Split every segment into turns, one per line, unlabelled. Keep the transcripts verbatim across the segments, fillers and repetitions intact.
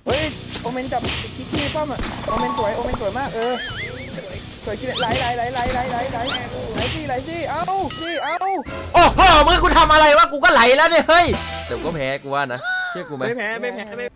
เฮ้ยโอเมนจับคิกกี้ป้อมอ่ะโอเมนสวยโอเมนสวยมากเออสวยคิดไหลไหลไหลไหลไหลไหลไหลไหลสิไหลสิเอาสิเอา
โอ้โหมึงกูทำอะไรวะกูก็ไหลแล้วเนี่ยเฮ้ยเดี๋ยวก็แพ้กูว่านะเชื่อกูไหม
ไม่แพ้ไม่แพ้ไม่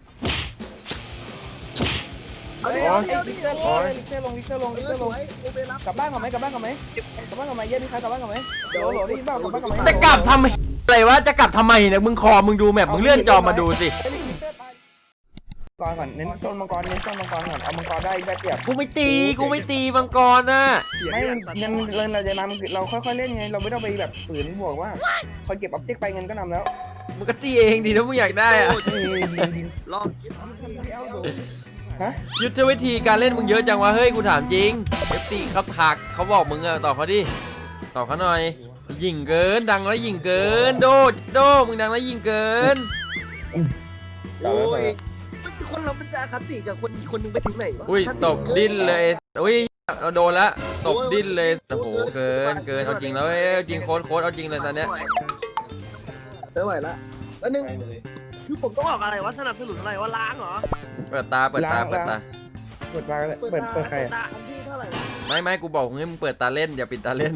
เฮ้ยลิกเตอร์ลงลิกเตอร์ลงลิกเตอร์ลงลิกเตอร์ลงกลับบ้านก่อนไหมกลับบ้านก่อนไหมกลับบ้านก่อนไหมเย็นนี่ใครกลับบ้านก่อนไหมเดี๋ยวโหลได้ยินเปล่ากลับบ้านก่อนไหม
จะกลับทำไมอะไรวะจะกลับทำไมเนี่ยมึงคอมึงดูแมพมึงเลื่อนจอมาดูสิ
ก่อนก่อนเน้นต้นมังกรเน้นต้นมังกรก่อนเอามังกรได้ได้เปรียบ
กูไม่ตีกูไม่ตีมังกรนะ
ไม่เงินเงินเราจะนำเราค่อยๆเล่นไงเราไม่ต้องไปแบบฝืนบวกว่าคอยเก็บออบเจกต์ไปเงินก็นำแล้ว
มึงก็ตีเองดีถ้ามึงอยากได้อะ
ลอง
ฮะ
ยุทธวิธีการเล่นมึงเยอะจังวะเฮ้ยกูถามจริงเอฟตีเขาถักเขาบอกมึงอะตอบเขาดิตอบเขาหน่อยยิงเกินดังแล้วยิงเกินโดโดมึงดังแล้วยิงเกิน
โอ้ยคนเราเป็นจะคติกับคนอีกคนนึงไปถึงไหนวะ
อุ้ยตบดิ้นเลยอุ้ยเราโดนละตบดิ้นเลยโอ้โหเกินเกินเอาจริงแล้วเอ้ยจริงโค้ดโค้ดเอาจริงเลยตอนเนี้ย
ไม่ไหวละแล้วนึงคือผมต้องออกอะไรวะสนับสนุนอะไรวะล้างเหรอ
เปิดตาเปิดตาเปิดตา
เปิดตาเลยเปิดเปิดใคร
ตาอันที่เท่าไหร่วะ
ไม่ไม่กูบอกให้มึงเปิดตาเล่นอย่าปิดตาเล่น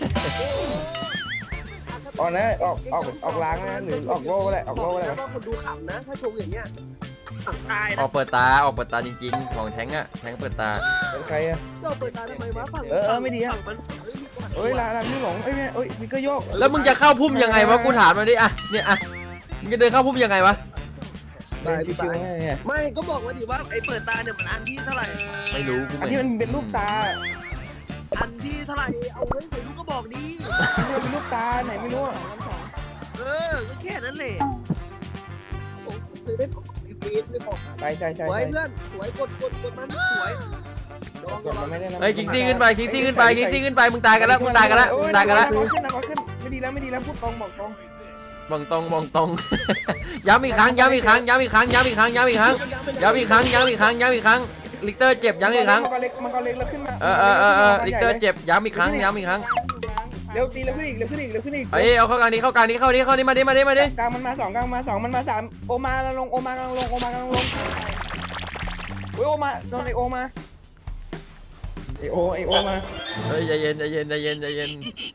ออกนะออกออกออกล้างนะหรือออกโล่ก็ได้ออกโล่ก็ได้
แล้วก็คนดูขำนะถ้าชงอย่างเงี้ยตาย
ออกเปิดตาออกเปิดตาจริงๆของแทงอะแทงเปิดตา
เป็นใครอะ
เจ้าเปิดตาทำไมวะฝั่งมัน
เอ้ยลาลาพี่หลงเอ้ยเอ้ยมีก็โยก
แล้วมึงจะเข้าพุ่มยังไงวะกูถามมาดิอะเนี่ยอะมึงจะเดินเข้าพุ่มยังไงวะ
ได้ชิวๆเนี่ย
ไม่ก็บอกว่าดิว่าไอ้เปิดตาเนี่ยมันอันที่เท่าไหร่
ไม่รู้กู
อัน
ไม่
ที่มันเป็นรูปตา
อันที่เท่าไหร่เอาไว้ใส่ลูกก็บอกดี
อันที่เป็นรูปตาไหนไม่รู้
เออก็แค่นั้นแหละผมเคยได้บอกฟีดไม่บอก
ใช่ใช่ใช่
สวยเพื่อนสวยกดกดกดมันสวย
กดมันไม่ได้นะ
เฮ้ยคิกซี่ขึ้นไปคิกซี่ขึ้นไปคิกซี่ขึ้นไปมึงตายกันแล้วมึงตายกันแล้วมึงตายกันแล้ว
ขึ้นนะขึ้นไม่ดีแล้วไม่ดีแล้วพูดตรงบอกตรง
มองตรงมองตรง ย้ำอีกครั้งย้ำอีกครั้งย้ำอีกครั้งย้ำอีกครั้งย้ำอีกครั้งย้ำอีกครั้งย้ำอีกครั้งย้ำอีกครั้งลิกเตอร์เจ็บย้ำอีกครั้ง
มันก็เล็กมันก็เล็กแล้วขึ้นมา
เออเออเออเออลิกเตอร์เจ็บย้ำอีกครั้งย้ำอีกครั้ง
เร็วตีเร็วขึ้นอีกเร็วขึ้นอีกเร็วขึ้นอีก
เฮ้ยเอาเข้ากลางนี้เข้ากลางนี้เข้านี้เข้านี้มาดิมาดิมาดิ
กลางมันมาสองกลางมาสองมันมาสามโอมากำลังลงโอมากำลังลงโอมากำลังลงโอ้ยโอมาโดนไอโอมาไอโอไอโอมา
เฮ้ยใจเย็นใจเย็นใจเย็นใจเย็น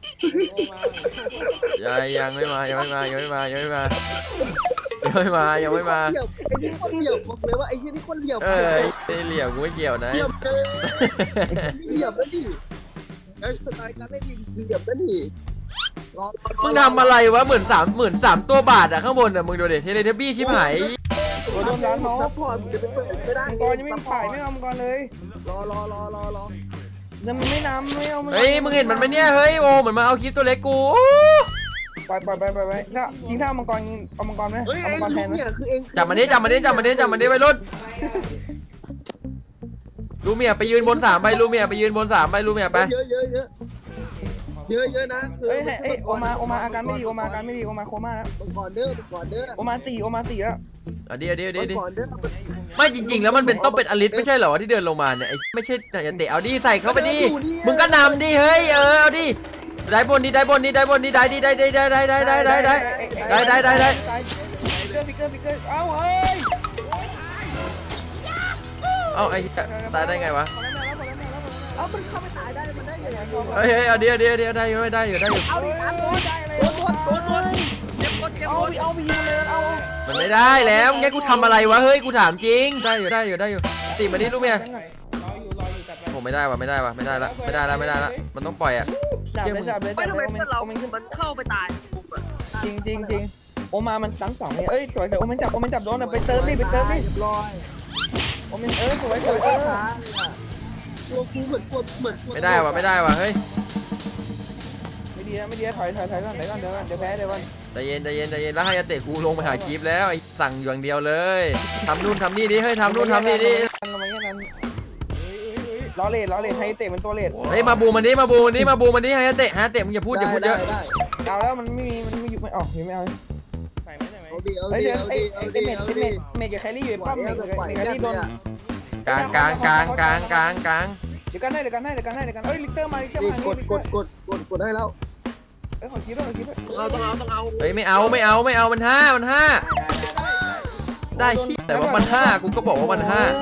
ยังยังไม่มายังไม่มายังไม่มายังไม่มายังไม่มายังไม่มา
ไอ้นี่คนเหลี่ยมบอกเลยว่าไอ้ที่นี่คนเหลี่ยม
เออไอ้เหลี่ยมกูไม่เกี่ยวนะ
เหลี่ยมเลยเหลี่ยมแล้วดิไอ้สไตล์การเล่นเหลี่ยมแล้วดิ
มึงทำอะไรวะเหมือนสามเหมือนสามตัวบาทอะข้างบนอะมึงดูดิเทเลทับบี้ชิบหาย
โดนร้านน้อง
ซัพพอร์ตจะไปเปิดไม่ได้
มังกรยังไม่ฝ่ายไม่เอามังกรเลย
รอรอรอรอรอ
ยังไม่นำไม่เอา
เฮ้ยมึงเห็นมันไหมเนี่ยเฮ้ยโอ้เหมือนมาเอาคลิปตัวเล็กกู
ปล่อยปล่อยไปไปไปถ้าทิ้งท่ามังกรเอามังกรไหม
เฮ้ย
เอา
ไอ้
มังกรแท
ลู
น
ก
ไหม
เนี่ยคือเอง
จับมันดิจับมันดิจับมันดิจับมันดิไปรุ่นลูเมียไปยืนบนสามไปลูเมียไปยืนบนสามไปลูเมียไป
เยอะเยอะเยอะเยอะเยอะนะ
เฮ้ยเฮ้ยโอมาโอมาอาการไม่ดีโอมาอาการไม่ดีโอมาโคม่าแล้ว
ก่อนเด้อก่อนเด้อ
โอมาสี่โอมาสี่แล้ว
เอาดิเอาดิเอาดิเอาดิ
ก่อนเด้อ
ไม่จริงๆแล้วมันเป็นต้องเป็นอลิสไม่ใช่เหรอที่เดินลงมาเนี่ยไอ้ไม่ใช่อย่าเตะเอาดิใส่เข้าไปดิมึงก็นำดิเฮ้ยเออเอาดิได้บนดิได้บนดิได้บนดิได้ดิได้ได้ได้ได้ได้ได้ได้ได้ได้ได้ได้
ฟิกเกอร์ฟิกเกอร์ฟิกเกอร์เอ้าเฮ้ย
เอ้าไอ้ตายได้ไงวะ
เอามันเข้าไปตายได้มันได้ยังไง
เฮ้ยเฮ้ยเอาดิเอาดิเอาดิได้อยู่ได้อยู่ได้อยู่
เอาดิอันโดน
ได้เลย
โดนโดนโดนโดนเก็บโดนเก็บ
เอา
โดน
เอาไปยิงเลยเอา
มันไม่ได้แล้วงั้นกูทำอะไรวะเฮ้ยกูถามจริงได้อยู่ได้อยู่ได้อยู่ตีมาดิลูกเมีย
รออยู่รออยู่จัดไป
ผมไม่ได้วะไม่ได้วะไม่ได้ละไม่ได้ละไม่ได้ละมันต้องปล่อยอ่ะ
จับเลยจับเลย
ไม่
จับ
ทำ
เล
ไม
ยโอเม
เพื่อน นเรา
โอเมนขึ้น
มันเข้าไปตาย
จริงจริงจริงโอมามันตั้งสองเนี่ยเอ้ยสวยสวยโอเมนจับโอเมนจับโดนไปเติมดิไปเติมดิ
รอย
โอเมนเออสวยสวยเออ
ตัวกูเหมือนตัวเหมือน
ไม่ได้วะไม่ได้วะเฮ้ย
ไม่ดีนะไม่ดีนะถอยถอยถอยก่อนถอยก่อนเดี๋ยวก่อนเดี๋ยวแพ้เดี๋ยวก่อน
ใจเย็นใจเย็นใจเย็นแล้วให้ยาเตะกูลงไปหาคลิปแล้วไอ้สั่งอย่างเดียวเลยทำนู่นทำนี่ดิเฮ้ยทำนู่นทำนี่ดิ
ทำไมอย่างนั้นล้อเลดล้อเลดให้เตะมันตัวเลด
เฮ้ยมาบูมันดิมาบูมันดิมาบูมันดิให้ยาเตะฮะเตะมึงอย่าพูดอย่าพูดเยอะ
เอาแล้วมันไม่มีมันไม่อยู่ไม่ออกไม่เอาใส่ไหมใส่ไหม
เอาดิเอา
เฮ้ย
ดิ
เดี๋ยว
เอา
ไอ้
ดิ
ไอ้
เอา
ไอ้
ดิ
เมด
เอา
ไอ้เม
ดิ
ดเมดกับแครี่อยู่ป้อมเมดกับแครี่โดน
กลางกลางกลางกลางกลางกลาง
เดี๋ยวกันให้เดี๋ยวกันให้เดี๋ยวกันให้เดี๋ยวกันเอ้ยลิกเตอร์มาลิกเตอร์มาก
ดกดกดกดกดได้แล้ว
เอ้ยขอคิดด้วยขอคิดด้วย
เอาต้องเอาต้องเอา
เฮ้ยไม่เอาไม่เอาไม่เอามันห้ามันห้าได้ที่แต่ว่ามันห้ากูก็บอกว่ามันห้า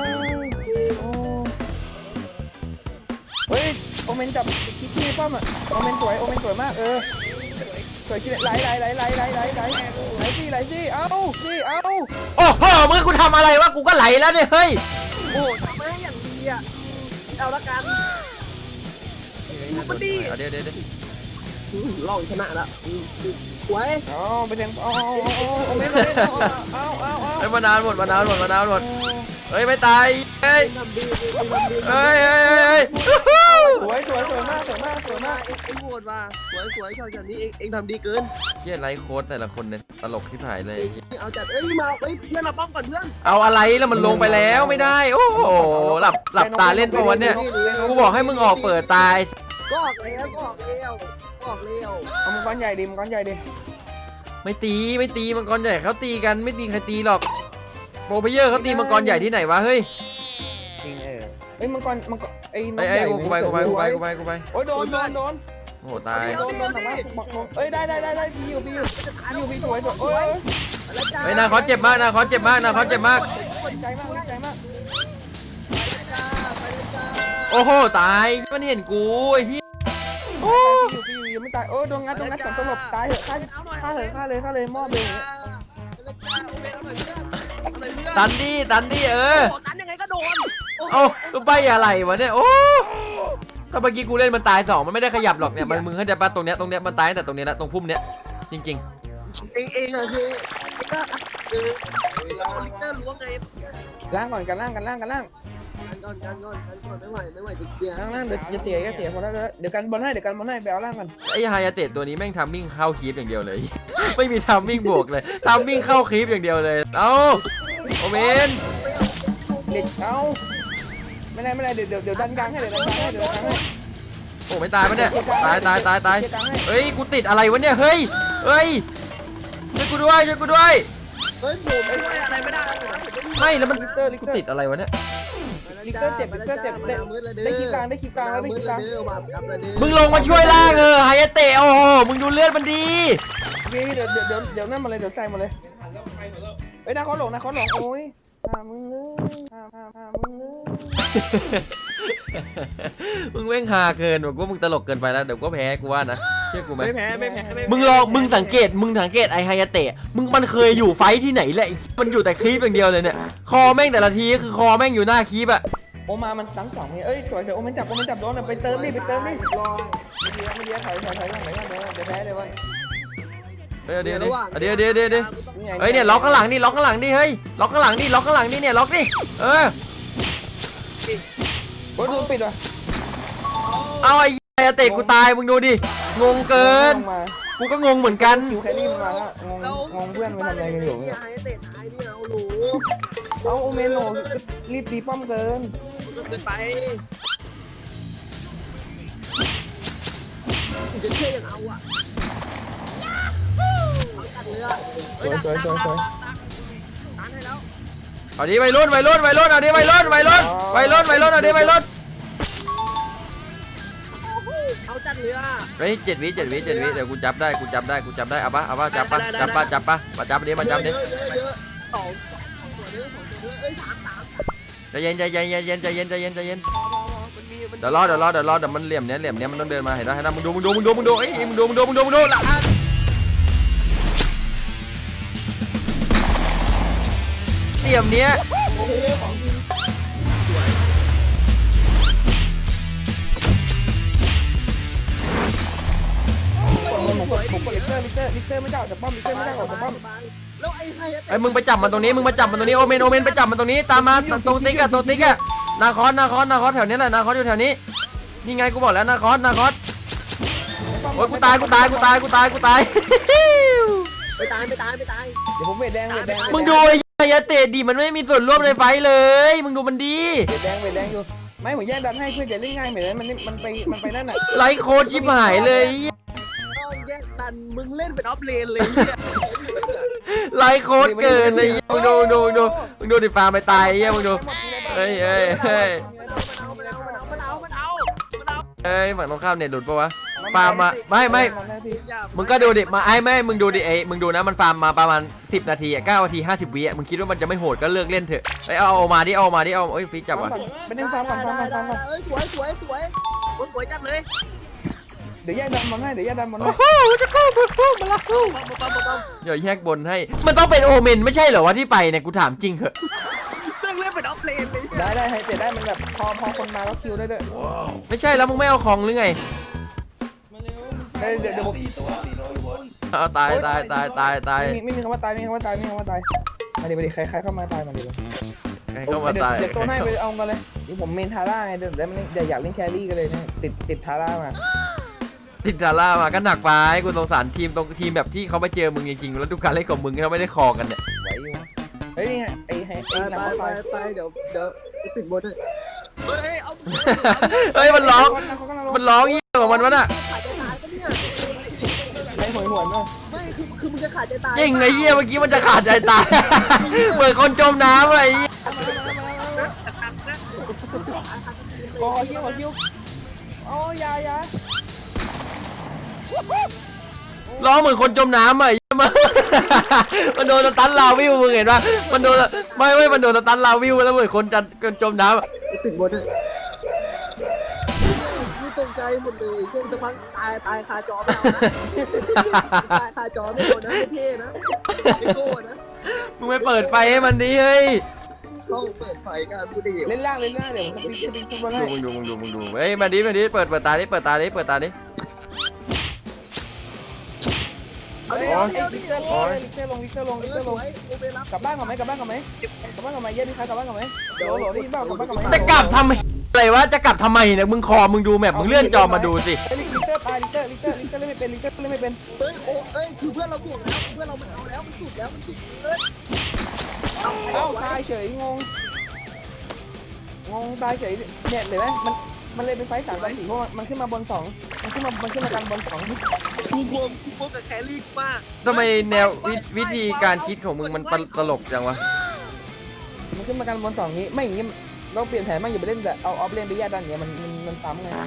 เฮ้ยโอเมนจับคิดที่ป้อมอ่ะโอเมนสวยโอเมนสวยมากเออสวยคิดไหลไหลไหลไหลไหลไหลไหลไหลสิไหลสิเอ้าสิเอ้า
โอ้โหมึงกูทำอะไรวะกูก็ไหลแล้วเนี่ยเฮ้ย
โอ้ทำไม่ให้อย่างดีอ่ะเอาละกันมันดี
เดี๋ยวเดี๋ยวเดี๋ยว
ลองชนะละสวย
เอาไปแทงเอาเอาเอาโอเมนโอเมนเอาเอาเอา
เฮ้ยมานานหมดมานานหมดมานานหมดเฮ้ยไม่ตายเฮ้ย
ทำดีทำดี
เฮ้ยเฮ้ยเฮ้ย
สวยสวยสวยมากสวยมากสวยมาก
เอ็งเอ็งโหดว่ะสวยสวยชอบแบบนี้เอ็งเอ็งทำดีเกิน
เชี่ยไลฟ์โค้ดแต่ละคนเนี่ยตลกที่ถ่ายเลย
เอาจัดเอ้ยมาเอ้ยเพื่อนเราป้อมก่อนเพื่อน
เอาอะไรแล้วมันลงไปแล้วไม่ได้โอ้โหหลับหลับตาเล่นปะวันเนี่ยกูบอกให้มึงออกเปิดตาย
ก็ออกแล้วก็ออกแล้วก็ออกแล้ว
เอามังกรใหญ่ดิมังกรใหญ่ดิ
ไม่ตีไม่ตีมังกรใหญ่เขาตีกันไม่ตีใครตีหรอกโปรเพเยอร์เขาตีมังกรใหญ่ที่ไหนวะเฮ้ย
จริงเออเฮ้ยมังกรมังกรไอ้น้อ
ไอ้
ง
ไอ้
ใหญ่
กูไปกูไปกูไปกูไปกูไป
โอ้ยโดนโดนโดน
โอ้โหตาย
โดนโดนสามารถบอกเอ้ยได้ได้ได้ได้พี่อยู่พี่อยู่พี่อยู่พี่สวยสวยโอ้ย
ไอ้นาคอสเจ็บมากนาคอสเจ็บมากนาคอสเจ็บมาก
ดีใจมากดีใจมาก
โอ้โหตายมันเห็นกูไอ้เหี้ย
โอ้อยู่พี่อยู่ยังไม่ตายโอ้โดนงัดโดนงัดสองตลบตายเหอะฆ่าฆ่าเหอะฆ่าเลยฆ่าเลยมอบเลย
ตันดิตันดิเออ
ตันยังไงก็โดน
เอ้าตัวใบอะไรวะเนี่ยโอ้ถ้าเมื่อกี้กูเล่นมันตายสองมันไม่ได้ขยับหรอกเนี่ยมันมึงเข้าใจปะตรงเนี้ยตรงเนี้ยมันตายแต่ตรงเนี้ยนะตรงพุ่มเนี้ยจริง
เองเองอะคือก็เออเราลิเตอร์ล้วงไง
ล่างก่อนกันล่างกันล่างกันล่าง
กันก่อนกันก่อนกันก่อนไม่ไหวไม่ไหวจะเกียร์
ล่างล่างเดี๋ยวจะเสียก็เสียพอแล้วเดี๋ยวกันบอลให้เดี๋ยวกันบอลให้ไปเอาล่างกัน
ๆไอ้ไฮยาเตะตัวนี้แม่งทำมิ่งเข้าคีฟอย่างเดียวเลย ไม่มีทำมิ่งบวกเลยทำมิ่งเข้าคีฟอย่างเดียวเลยเอ้าโอเมน
เด็กเอาไม่ได้ไม่ได้เดี๋ยวเดี๋ยวเดี๋ยวดันกลางให้เดี๋ยวดันกลางให้เดี๋ยวดันกลางให้
โอ้ไม่ตายปะเนี่ยตายตายตายตายเฮ้ยกูติดอะไรวะเนี่ยเฮ้ยเฮ้ยช่วยกูด้วยช่วยกูด้วย
เฮ้ยผมไม่ไหวอะไรไม่ได้
ไม่แล้วมัน
ลิเตอร์ลิ
กู
เตอร์
ติดอะไรวะเนี่ย
ลิเตอร์เจ็บลิเตอร์เจ็บได้ได้คลิปกลางได้คลิปกลางแล้วได้คลิปกลาง
มึงลงมาช่วยล่างเออไฮยาเตะโอ้โหมึงดูเลือดมันดี
พี่เดี๋ยวเดี๋ยวเดี๋ยวเดี๋ยวนั่นมาเลยเดี๋ยวใส่มาเลยเฮ้ยนาคอหลงนาคอหลงโอ้ยหามึงเลยหาหาหามึงเลย
มึงแม่งฮาเกินบอกว่ามึงตลกเกินไปแล้วเดี๋ยวก็แพ้กูว่านะเชื่อกูไหม
ไม่แพ้ไม่แพ้ไม่แพ้
มึงลองมึงสังเกตมึงสังเกตไอไฮยาเตะมึงมันเคยอยู่ไฟที่ไหนแหละมันอยู่แต่คลิปอย่างเดียวเลยเนี่ยคอแม่งแต่ละทีก็คือคอแม่งอยู่หน้าคลิปอะ
โอมามันสังสองเนี่ยเอ้ยสวยสวยโอมันจับโอมันจับโดนไปเติมดิไปเติมดิรอไม่ดีไม่ดีถอยถอยถอยหลังไหนกันเดี๋ยวเดี๋ยวแพ้เลยวัน
เดี๋ยวเดี๋ยวเดี๋ยวเดี๋ยวเดี๋ยวเดี๋ยวเฮ้ยเนี่ยล็อกข้างหลังดิล็อกข้างหลังดิเฮ้ยล็อกข้างหลังดิล็อกข้างหลังดิเนี่ยล็อกดิเออ
โอ้ยโดนปิดว่ะ
เอาไอ้ไฮยาเตะกูตายมึงดูดิงงเกินกูก็งงเหมือนกัน
คิวแครี่มันมาแล้วงงงงเพื่อนมันทำอะไรกันอยู่
เนี่ยไอ้เตะตายเนี่ยเอาหลู
เอาโอเมนโหรีบตีป้อมเกิน
เกินไปจะเชื่อยังเอาอ่ะตัดเรือเฮ้ยตัดตัดตัดตัดให้แล้ว
เอาดิวัยรุ่นวัยรุ่นวัยรุ่นเอาดิวัยรุ่นวัยรุ่นวัยรุ่นวัยรุ่นเอาดิวัยรุ่น
เอาจัดเรือ
เฮ้ยเจ็ดวิเจ็ดวิเจ็ดวิเดี๋ยวกูจับได้กูจับได้กูจับได้เอาปะเอาปะจับปะจับปะจับปะมาจับดิมาจับดิ
เยอะเยอะสองสองตัวเนื้อสองตัวเนื้อเอ้ยสามสาม
ใจเย็นใจเย็นใจเย็นใจเย็นใจเย็นใจเย็น
มันมีมัน
เดี๋ยวรอเดี๋ยวรอเดี๋ยวรอเดี๋ยวมันเหลี่ยมเนี้ยเหลี่ยมเนี้ยมันต้องเดินมาเห็นไหมเห็นไหมมึงดูมึงดูมึงดูมึงดูเอ้ยมึงดูมึงดูมึงดูมึงดูหลังเหลี่ยมเนี้ย
ผมกดผมกดลิเตอร์ลิเตอร์ลิเตอร์ไม่ได้ออกจากป้อมลิเตอร์ไม่ได้ออกจากป้อม
แล้วไอ้ใคร
ไอ้มึงไปจับมันตรงนี้มึงมาจับมันตรงนี้โอเมนโอเมนไปจับมันตรงนี้ตามมาตรงติ๊กอะตรงติ๊กอะนาคอสนาคอสนาคอสแถวนี้แหละนาคอสอยู่แถวนี้นี่ไงกูบอกแล้วนาคอสนาคอสโอ้ยกูตายกูตายกูตายกูตายกูตาย
ไปตายไปตายไปตาย
เดี๋ยวผมเวทแดงเวทแดง
มึงดูไอ้ยาเตะดิมันไม่มีส่วนร่วมในไฟเลยมึงดูมันดี
เวทแดงเวทแดงอยู่ไม่ผมแย่งดันให้เพื่อจะเล่นง่ายเหมือนมันมันไปมันไปนั่นน่ะ
ไลฟ์โค้ดชิบหายเลย
ต้องแยกดันมึงเล่นเป็นออฟเลนเลย
ไลฟ์โค้ดเกินไอ้มึงดูดูดูมึงดูดิฟาร์มไปตายไอ้เหี้ยมึงดูเฮ้ยเฮ้ยเฮ้ย
มันเอามันเอามันเอามันเอามันเอามันเอา
เฮ้ยฝั่งตรงข้ามเน็ตหลุดปะวะฟาร์มมาไม่ไม่
นหน้าที่
มึงก็ดูดิมาไอ้ไม่มึงดูดิไอ้มึงดูนะมันฟาร์มมาประมาณสิบนาทีอ่ะเก้านาทีห้าสิบวิอ่ะมึงคิดว่ามันจะไม่โหดก็เลิกเล่นเถอะไอ้เอาเอามาดิเอามาดิเอาเอ้ยฟิกจับว่ะ
ไปเล่นฟาร์มก่อนฟาร์มก่อนฟาร์มก่อน
เอ้ยสวยสวยสวยสวยจัดเลย
เดี๋ยวแยกดันบอลให้เดี๋ยวแยกดันบอลให้
โอ้โหจะเข้าบุกมาละ
ปั๊มปั๊มปั๊ม
เดี๋ยวแยกบนให้มันต้องเป็นโอเมนไม่ใช่เหรอวะที่ไปเนี่ยกูถามจริงเหอะ
เรื่องเล่นเป็นออฟเลนเลย
ได้ได้ให้เตะได้มันแบบพอพอคนมาแล้วคิวได้ด้วย
ไม่ใช่แล้วมึงไม่เอาของหรือไง
เดี๋ยวเดี๋ยวผม
เอาตายตายตายตายตาย
ไม่มีไม่มีคำว่าตายไม่มีคำว่าตายไม่มีคำว่าตายมาดิมาดิใครใครเข้ามาตายมาดิเลย
ใครเข้ามาตาย
เดี๋ยวโซนให้ไปเอากันเลยนี่ผมเมนทาร่าไงเดี๋ยวได้เดี๋ยวอยากเล่นแครี่กันเลยเนี่ยติดติดทาร่ามา
ติดดาร่ามาก็หนักไปกูสงสารทีมตรงทีมแบบที่เขาไปเจอมึงจริงๆแล้วดูการเล่นของมึงเขาไม่ได้คอกันเนี่ย
ไหวอยู่เฮ้ยนี่ไงไอ้ไอ้
ไป
ไอ้
ไป
น้ำ
ไป
ไฟ
ไปเดี๋ยวเดี๋ยวติดบนเลยเฮ้ยเอา
เฮ้ยมันร้องมันร้องยี่ของมันวะน่ะ
ขาดใจตายปะเนี่ย
ไอ้หวยหวยมั้ง
ไม่คือคือมึงจะขาดใจตาย
จริงไอ้เหี้ยเมื่อกี้มันจะขาดใจตาย เหมือนคนจมน้ำอะไอ้เหี้ย
ขอคิวขอคิวโอ้ยายา
ร้องเหมือนคนจมน้ำอะไอ้เหี้ยมัน มันโดนสตันลาวิวมึงเห็นปะมันโดนไม่ไม่มันโดนสตันลาวิวแล้วเหมือนคนจะคนจมน้ำอะ
ติดบนเลยกูตกใจหมดเลยเช่นจะพังตายตายคาจอไม่เอานะตายคาจอไม่เอานะไม่เท่นะไม่โก้นะ
มึงไม่เปิดไฟให้มันดิเฮ้ย
ต้องเปิดไฟกันกูดิ
เล่นล่างเล่นล่างเดี๋ยวผมสปิกสปิกทุกคนให้
ดูมึงดูมึงดูมึงดูเฮ้ยมาดิมาดิเปิดเปิดตาดิเปิดตาดิเปิดตาดิ
เอาดิ
โอ้
เอา
ย
ดิ
ลิกเตอร์ลงลิกเตอร์ลงลิกเตอร์ลง
เอ
ลิก
อ
เตอร์
ส
ลง
วยโอเบรับ
กลับบ้านก่อนไหมกลับบ้านก่อนไหมกลับบ้านก่อนไหมเย็นพี่คะกลับบ้านก่อนไหมเดี๋ยวโหลได้ยินเปล่ากลับบ้านก่อนไหม
จะกลับทำไมอะไรวะจะกลับทำไมเนี่ยมึงคอมึงดูแมพมึงเลื่อนจอมาดูสิ
ลิกเตอร์ตายลิกเตอร์ลิกเตอร์ลิกเตอร์เล่นไม่เป็นลิกเตอร์เล่นไม่เป็น
เฮ้ยโอ้เอ้ยคือเพื่อนเราบวกแล้วเพื่อนเรามันเอาแล้วมันสุดแล้วมันสุดเลย
เอ้าตายเฉยงงงงตายเฉยเนี่ยเห็นไหมมันมันเลยเป็นไฟสามสามสี่เพราะมันขึ้นมาบนสองมันขึ้นมามันขึ้นมากันบนสอง
กูบวมกูบวมกับแครี่มาก
ทำไมแนววิวิธีการคิดของมึงมันตลกจังวะ
มันขึ้นมากันบนสองนี้ไม่อย่างนี้เราเปลี่ยนแผนมากอย่าไปเล่นแต่เอาออฟเลนไปแยกดันอย่างเงี้ยมันมันมันซ้ำไง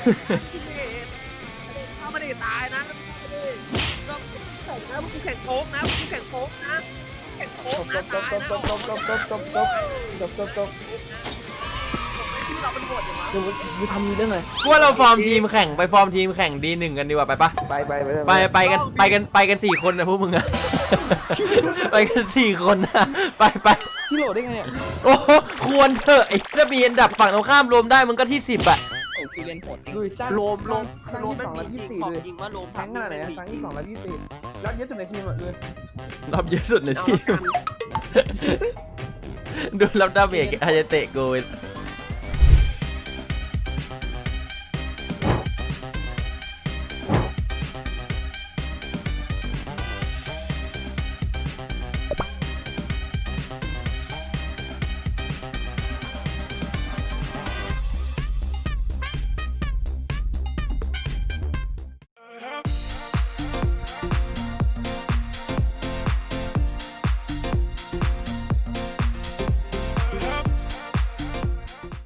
ถ้าไม่ได้ตายนะไม่ได้ก็แข่งนะกูแข่งโค้งนะกูแข่งโค้งนะแข่งโค้ง
จ
นะ
บจบ
ตาย
จบ
นะ
จบจบจบจบจบจบจบจบ
ที่เราเป็นบทอย่างวะ
ดูดูทำมีเรื่องอะไร
กูว่าเราฟอร์มทีมแข่งไปฟอร์มทีมแข่งดีหนึ่งกันดีกว่าไปปะ
ไปไปไป
ไปไปกันไปกันไปกันสี่คนนะพวกมึงอะ ไปกันสี่คนนะไปไป
ที่โหลดได้ไงเนี่ย
โอ้โหควรเถอะไอ้ถ้ามีอันดับฝั่งตรงข้ามรวมได้มึงก็ที่สิบอะ
โอ้คือเล่นโหด
ดูสั้น
โลมโลม
ครั้งที่สองแล้วยี่สิบสี่เลย
จริงว่าโลม
ครั้งขนาดไหนครั้งที่สองแล้วยี่สิบสี่แล้วเยอะสุดในทีมอ่ะเลย
รอบเยอะสุดในทีม ดูรับดาเมจอาจจะเตะโกย